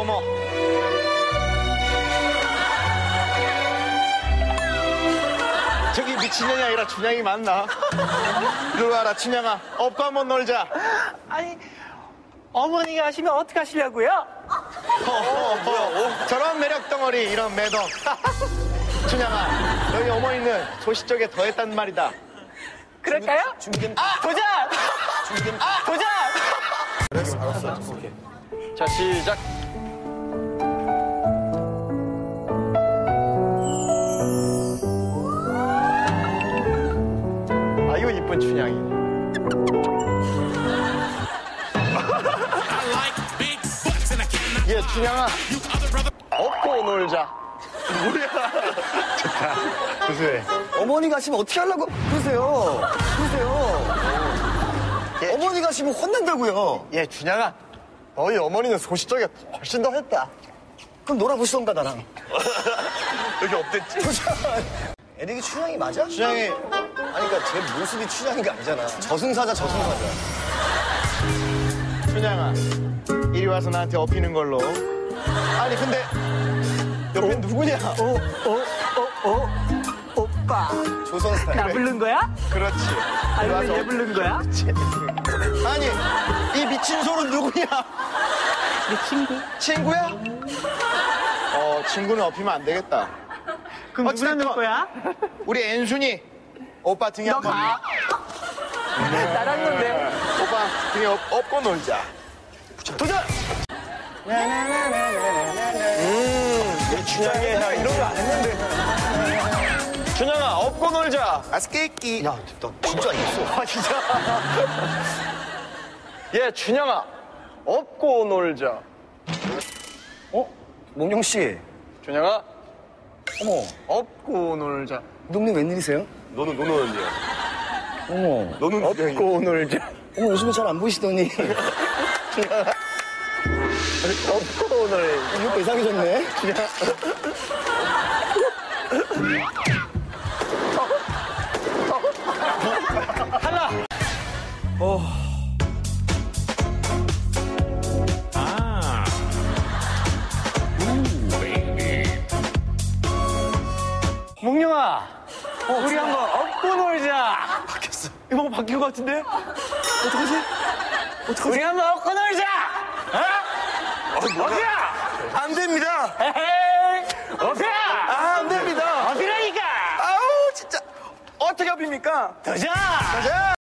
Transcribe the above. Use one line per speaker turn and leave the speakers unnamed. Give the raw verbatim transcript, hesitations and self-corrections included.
어머. 저기 미친년이 아니라 춘향이 맞나? 이리 와라, 춘향아. 업고 한번 놀자.
아니, 어머니가 하시면 어떻게 하시려고요?
어, 어, 어. 저런 매력 덩어리, 이런 매덕. 춘향아, 너희 어머니는 소시 쪽에 더했단 말이다.
그럴까요?
준비된
아, 도전!
준비된
아, 도전!
알았어, 알았어. 오케이. 자, 시작. 아이고, 이쁜 춘향이. 예, 춘향아. 업고 놀자. 뭐야. 좋다. 구수해.
어머니 가시면 어떻게 하려고 그러세요? 그러세요.
예.
어머니 가시면 혼난다고요.
예, 춘향아. 너희 어머니는 소시 쪽에 훨씬 더 했다.
그럼 놀아보시던가 나랑.
여기 없댔지?
에릭이 춘향이 맞아?
춘향이.
아니 그러니까 제 모습이 춘향이가 아니잖아. 저승사자 저승사자.
춘향아, 이리 와서 나한테 업히는 걸로. 아니, 근데 옆에 누구냐?
어, 어, 어, 어, 오빠.
조선 스타일.
나 부른 거야?
그렇지. 이리
아니면
와서
얘 부른 거야?
아니, 이 미친 소는 누구냐?
내 친구.
친구야? 어, 친구는 업히면 안 되겠다.
그럼 누구랑 놀 거야?
우리 앤순이 오빠 등에
너
한번.
가. 나랑 논대.
오빠 등에 업, 업고 놀자. 도전! 음, 이 춘향이 나 이런 거 안 했는데. 춘향아, 업고 놀자. 아스케이끼.
야, 나 진짜 있어.
아, 진짜. 예, 춘향아, 업고 놀자.
어? 몽룡 씨.
춘향아,
어머,
업고 놀자.
동네 웬일이세요?
너는, 너는 언제야?
어머,
너는 업고 놀자.
어머 요즘에 잘 안 보이시더니.
업고 놀자.
이 오빠 이상해졌네.
하나.
몽룡아, 우리 한번 업고 놀자. 바뀌었어. 이거 뭐 바뀐 것 같은데? 어떡하지? 어떡하지? 우리 한번 업고 놀자. 어? 업이야.
안 됩니다.
에헤이. 업이야.
아, 안 됩니다.
업이라니까.
아우, 진짜. 어떻게 업입니까?
도전.
가자.